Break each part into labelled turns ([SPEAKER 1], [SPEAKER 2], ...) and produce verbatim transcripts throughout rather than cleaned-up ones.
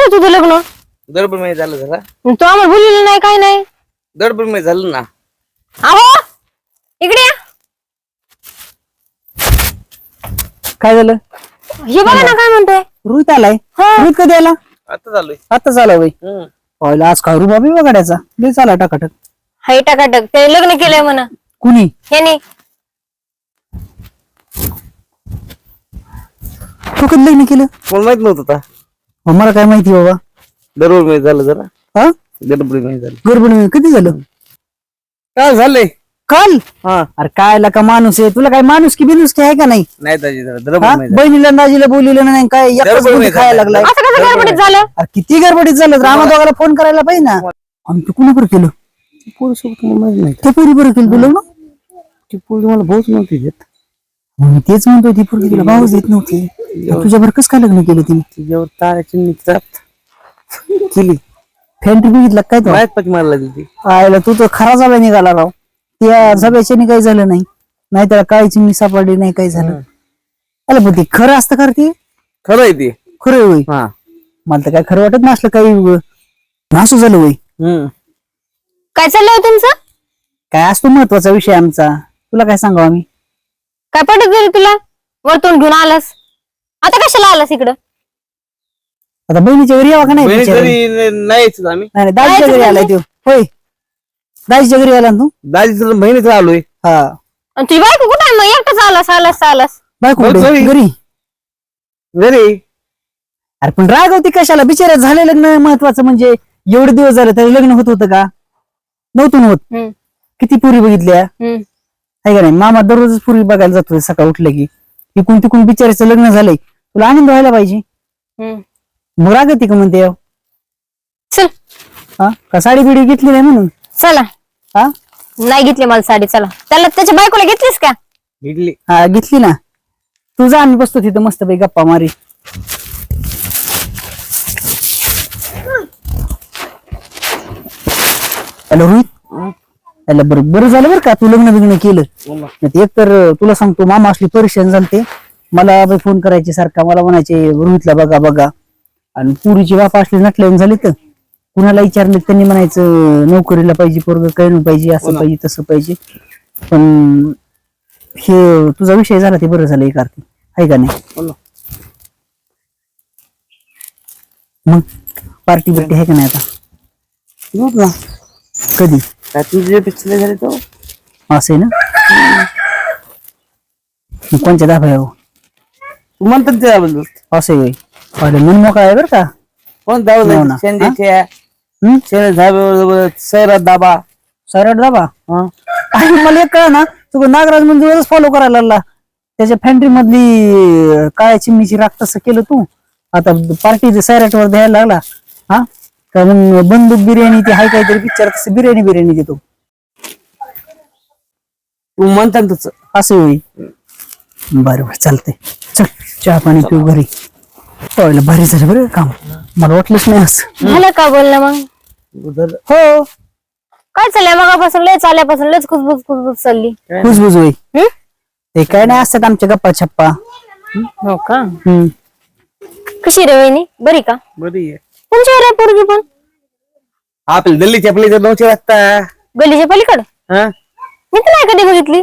[SPEAKER 1] झालं तुझं लग्न?
[SPEAKER 2] दडपण मध्ये झालं जरा.
[SPEAKER 1] तू आम्हाला बोललेलं नाही काय नाही.
[SPEAKER 2] दडपण मध्ये झालं ना.
[SPEAKER 1] अहो इकडे या.
[SPEAKER 3] काय झालं?
[SPEAKER 1] हे बघा ना काय म्हणतोय.
[SPEAKER 3] रोहित आलाय. रोहित कधी आला?
[SPEAKER 2] आता झालोय.
[SPEAKER 3] आता झाला बाई.
[SPEAKER 2] हम्म.
[SPEAKER 3] पहिला आज खारू बाबी बघायचा लय चाला टाकाटक.
[SPEAKER 1] हाय टाकाटक ते लग्न केलंय म्हणा.
[SPEAKER 3] कुणी?
[SPEAKER 1] ह्याने.
[SPEAKER 3] तू कधी लग्न केलं?
[SPEAKER 2] मला माहित नव्हतं आता.
[SPEAKER 3] मग मला काय माहिती बाबा.
[SPEAKER 2] दडपण मध्ये झालं जरा.
[SPEAKER 3] हा
[SPEAKER 2] दडपण मध्ये झालं.
[SPEAKER 3] गडबड कधी झालं?
[SPEAKER 2] काय झालंय?
[SPEAKER 3] काल?
[SPEAKER 2] हा.
[SPEAKER 3] अरे काय का माणूस आहे तुला काय माणूस की बिनूस की आहे का नाही?
[SPEAKER 2] नाही दाजी जरा
[SPEAKER 3] हा?
[SPEAKER 2] दडपण मध्ये झालं.
[SPEAKER 3] बहिणीला दाजीला बोललेलं नाही काय एकटाच
[SPEAKER 2] गडबड
[SPEAKER 3] गोष्टी
[SPEAKER 2] मध्ये
[SPEAKER 3] खायला
[SPEAKER 2] झालं.
[SPEAKER 3] लागलाय.
[SPEAKER 1] असं कसं गडबडीत झालं?
[SPEAKER 3] अरे किती गडबडीत झालं रामा दोघाला फोन करायला पाहिजे ना. आणि तू कुणाकडे केलं?
[SPEAKER 2] पोरसोबत मला माहित नाही.
[SPEAKER 3] त्या पोरी बरं केलं तुला ना.
[SPEAKER 2] ती पोरगी मला बहुत नव्हती देत.
[SPEAKER 3] मी तेच म्हणतोय ती पोरगी तुला भावच देत नव्हती. तुझ्या बरं कसं काय लग्न केलं तिने?
[SPEAKER 2] तिच्यावर ताराची निघतात केली.
[SPEAKER 3] फॅन्ट्री बघितला काय तो?
[SPEAKER 2] माहित पाकी मारला दिली.
[SPEAKER 3] आयला तू तर खरा जागा निघाला राव. त्या सभेच्याने काही झालं नाही. नाही त्याला काही चिमणी सापडली नाही काही झालं. अरे पण ते खरं असतं खरं ते?
[SPEAKER 2] खरं आहे ते.
[SPEAKER 3] खरं होय.
[SPEAKER 2] हा.
[SPEAKER 3] मला तर काय खरं वाटत नसलं काही नासू झालं होय.
[SPEAKER 2] हम्म.
[SPEAKER 1] काय चाललंय तुमचं?
[SPEAKER 3] काय असतो महत्वाचा विषय आमचा तुला काय सांगावं आम्ही?
[SPEAKER 1] काय पटत गेली तुला? वरतून घेऊन आलास आता कशाला आलास इकडं?
[SPEAKER 3] आता बहिणीच्या घरी यावा का नाही?
[SPEAKER 2] बहिणी
[SPEAKER 3] बिचारी?
[SPEAKER 2] घरी न- नाही यायचं आम्ही.
[SPEAKER 3] नाही नाही, दाजीच्या घरी आलाय तो. होय दाजीच्या घरी आला ना तू?
[SPEAKER 2] दाजीचं बहिणीच आलोय.
[SPEAKER 3] हा
[SPEAKER 1] आणि तुझी बायको कुठं आहे मग? एकटाच आलास आलास आलास.
[SPEAKER 3] बायको
[SPEAKER 2] बघ
[SPEAKER 3] कुठे?
[SPEAKER 2] घरी.
[SPEAKER 3] घरी.
[SPEAKER 2] घरी.
[SPEAKER 3] अरे पण रागवती कशाला? बिचारा झालं लग्न महत्वाचं म्हणजे एवढे दिवस झाले तरी लग्न होत होतं का? नव्हतं होत.
[SPEAKER 1] हम्म,
[SPEAKER 3] किती पुरी बघितल्या
[SPEAKER 1] हम्म.
[SPEAKER 3] आहे का नाही? मामा दररोजच पुरी बघायला जातो सकाळ उठलं की. इकून तिकून बिचाराचं लग्न झालंय तुला आनंद व्हायला पाहिजे.
[SPEAKER 1] हम्म.
[SPEAKER 3] मग रागती का म्हणते?
[SPEAKER 1] चल
[SPEAKER 3] हा का साडी बिडी घेतली नाही म्हणून?
[SPEAKER 1] चला.
[SPEAKER 3] हा
[SPEAKER 1] नाही घेतली मला साडी. चला त्याला त्याच्या बायकोला घेतलीस का?
[SPEAKER 2] इडली.
[SPEAKER 3] हा घेतली ना. तू जा आम्ही बसतो तिथं मस्त पैकी गप्पा मारी. हॅलो रोहित. हॅलो बरं बरं झालं बरं का तू लग्न बिग्न केलं. नाही एक तर तुला सांगतो मामा असली परेशान झालते. मला फोन करायचे सारखा मला म्हणायचे रोहितला बघा बघा. आणि पुरीची बापा असली नटल्यान झाली तर कुणाला विचारले त्यांनी म्हणायचं नोकरीला पाहिजे पोरग काही नाही पाहिजे असं पाहिजे तसं पाहिजे. पण हे तुझा विषय झाला ते बरं झालं एक अर्थी आहे का नाही? मग पार्टी बिर्टी आहे का नाही आता? कधी?
[SPEAKER 2] काय तुझे पिछले झाले तो
[SPEAKER 3] असं आहे ना. मग कोणच्या दाखव यावं
[SPEAKER 2] तू म्हणतात त्याबद्दल.
[SPEAKER 3] असं आहे पहिले मन मोकळा आहे बरं का.
[SPEAKER 2] कोण
[SPEAKER 3] हो
[SPEAKER 2] दाबा
[SPEAKER 3] ना.
[SPEAKER 2] शेंद्याच्या
[SPEAKER 3] हम्म
[SPEAKER 2] शेंद्या धाब्यावर सैरात दाबा.
[SPEAKER 3] सरळ दाबा.
[SPEAKER 2] हा.
[SPEAKER 3] आणि मला एक कळ ना तू नागराज मंदिरच फॉलो करायला लागला. त्याच्या फॅन्ट्री मधली काळ्या चिमणीची राख तसं केलं तू. आता पार्टी सैराट वर द्यायला लागला. हा का मग बंदूक बिर्याणी ती हाय काहीतरी पिक्चर तसं बिर्याणी बिर्याणी देतो.
[SPEAKER 2] तू म्हणतात तसं.
[SPEAKER 3] असं होई. बरं बरं चालतंय चल चहा पाणी पिऊ घरी. पहिलं भारी झालं बरं काम. मला वाटलंच नाही असं.
[SPEAKER 1] झालं का बोलणं मग?
[SPEAKER 2] उधर
[SPEAKER 3] हो
[SPEAKER 1] काय चाललंय मगापासून? लय चालल्यापासून लयच खुसबुस खुसबुस चालली.
[SPEAKER 3] कुजबुज होई.
[SPEAKER 1] हम्म?
[SPEAKER 3] ते काय नाही असतात आमच्या गप्पा छप्पा.
[SPEAKER 1] हो का?
[SPEAKER 3] हम्म
[SPEAKER 1] कशी रे वहिनी? बरी का?
[SPEAKER 2] बरी आहे.
[SPEAKER 1] तुमची रे पोरगी पण
[SPEAKER 2] आपल्या दिल्लीच्या आपल्या नऊशे वाजता.
[SPEAKER 1] गलीच्या पलीकडे?
[SPEAKER 2] हा.
[SPEAKER 1] मी तर नाही कधी बघितली.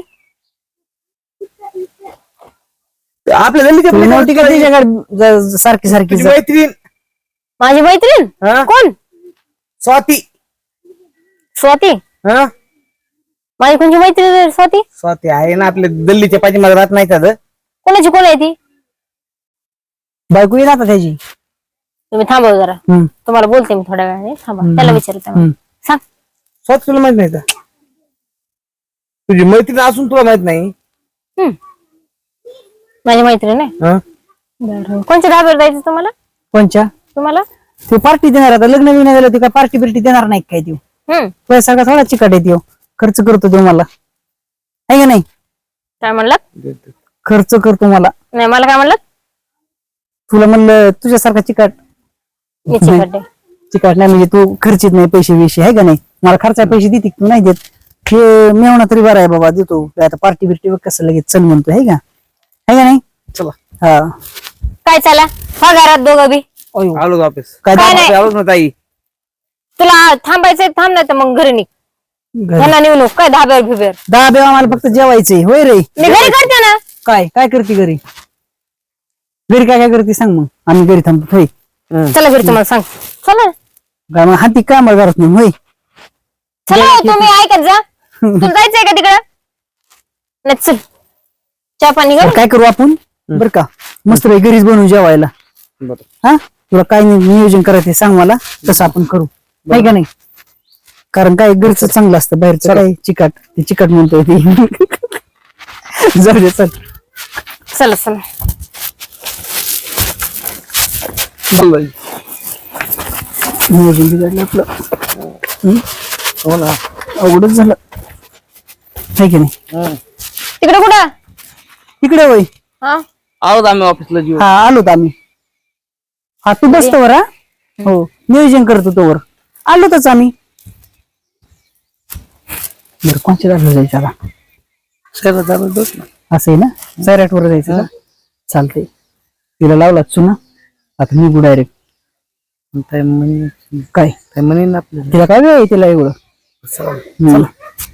[SPEAKER 2] आपल्या दिल्लीच्या
[SPEAKER 3] तुला नव्हती का
[SPEAKER 2] पलीकडे
[SPEAKER 3] तिच्याकडे ज- सारखी सारखी
[SPEAKER 2] तुझी
[SPEAKER 3] ज-
[SPEAKER 2] मैत्रीण.
[SPEAKER 1] माझी मैत्रीण?
[SPEAKER 2] हा.
[SPEAKER 1] कोण?
[SPEAKER 2] स्वाती.
[SPEAKER 1] स्वाती?
[SPEAKER 2] हा.
[SPEAKER 1] माझी कोणची मैत्रीण रे स्वाती?
[SPEAKER 2] स्वाती आहे ना आपल्या दिल्लीच्या पाठीमागे राहत नाही का ग?
[SPEAKER 1] कोणाची कोण आहे ती?
[SPEAKER 3] बायको येईल आता त्याची.
[SPEAKER 1] तुम्ही थांबव जरा.
[SPEAKER 3] हम्म
[SPEAKER 1] तुम्हाला बोलते मी थोड्या वेळाने. थांबा त्याला विचारते
[SPEAKER 3] हम्म.
[SPEAKER 1] सांग.
[SPEAKER 2] स्वाती तुला माहित नाही का? तुझी मैत्रीण असून तुला माहित नाही?
[SPEAKER 1] हम्म. माझी मैत्रीण आहे.
[SPEAKER 2] हा.
[SPEAKER 1] बरं. कोणच्या धाब्यावर जायचं तुम्हाला?
[SPEAKER 3] कोणच्या?
[SPEAKER 1] तुम्हाला?
[SPEAKER 3] ते पार्टी देणार आता लग्न बिग्न झालं ते काय पार्टी बिर्टी देणार नाही काय देऊ.
[SPEAKER 1] हम्म.
[SPEAKER 3] पैसा का थोडा चिकट येतो खर्च करतो तो मला आहे का नाही?
[SPEAKER 1] काय म्हणलात?
[SPEAKER 3] खर्च करतो मला.
[SPEAKER 1] नाही मला काय म्हणलात?
[SPEAKER 3] तुला म्हणलं तुझ्यासारखा चिकट
[SPEAKER 1] मी चिकट आहे.
[SPEAKER 3] चिकट नाही म्हणजे तू खर्चित नाही पैसे विषय आहे का नाही? मला खर्चा पैसे देते तू नाही देत. हे मेवणा तरी बरा आहे बाबा देतो. आता पार्टी बिर्टी बघ कसं लगेच चल म्हणतो आहे का? आहे का नाही?
[SPEAKER 2] चला.
[SPEAKER 3] हा
[SPEAKER 1] काय चला? हा घरात दोघं बी
[SPEAKER 3] अयो.
[SPEAKER 2] आलो ऑफिस
[SPEAKER 3] काय
[SPEAKER 1] काय नाही.
[SPEAKER 2] आलोच ना ताई.
[SPEAKER 1] तुला थांबायचंय थांब नाही तर मग घरी निघ.
[SPEAKER 3] घरी.
[SPEAKER 1] ह्याला नेऊ नको काय धाब्यावर भिब्यावर.
[SPEAKER 3] दहा बेवा आम्हाला फक्त जेवायचंय होय रे.
[SPEAKER 1] मी घरी करते ना.
[SPEAKER 3] काय काय करते घरी घरी काय काय करते सांग मग आम्ही घरी थांबतो होय.
[SPEAKER 1] चला घरी तुम्हाला सांग. चला
[SPEAKER 3] काय मग हाती काय मला घरात नाही होय.
[SPEAKER 1] चला हो, तुम्ही ऐकत जा. तुला जायचंय का तिकडं? नाही चल चहा पाणी कर.
[SPEAKER 3] काय करू आपण बर का मस्त रे घरीच बनवून जेवायला.
[SPEAKER 2] बरं.
[SPEAKER 3] हा तुला काय नियोजन करायचं ते सांग मला तसं आपण करू नाही का नाही. कारण काय घरचं चांगलं असतं बाहेरचं काय चिकट ते चिकट म्हणतोय ते जाऊ दे चल.
[SPEAKER 1] चला चला.
[SPEAKER 2] चाललंय.
[SPEAKER 3] नियोजन बिघडलं आपलं. हम्म?
[SPEAKER 2] हो ना.
[SPEAKER 3] अवघडच झालं आहे की नाही.
[SPEAKER 2] हं.
[SPEAKER 1] तिकडे कुठं?
[SPEAKER 3] इकडे होय.
[SPEAKER 1] हा
[SPEAKER 2] आलोच आम्ही ऑफिसला जीव.
[SPEAKER 3] हा आलोत आम्ही. हा तू बसतो वर हा हो नियोजन करतो तोवर आलोतच आम्ही. बरं कोणच्या जागा जायचं आता
[SPEAKER 2] सगळं झालं बस ना.
[SPEAKER 3] असं आहे ना सैराट वर जायचं का चालतंय. तिला लावलाच चुना आता निघू डायरेक्ट.
[SPEAKER 2] काय म्हणे
[SPEAKER 3] काय
[SPEAKER 2] काय म्हणे ना आपल्याला.
[SPEAKER 3] तिला काय वेळ आहे तिला एवढं.
[SPEAKER 2] चला.
[SPEAKER 3] हम्म.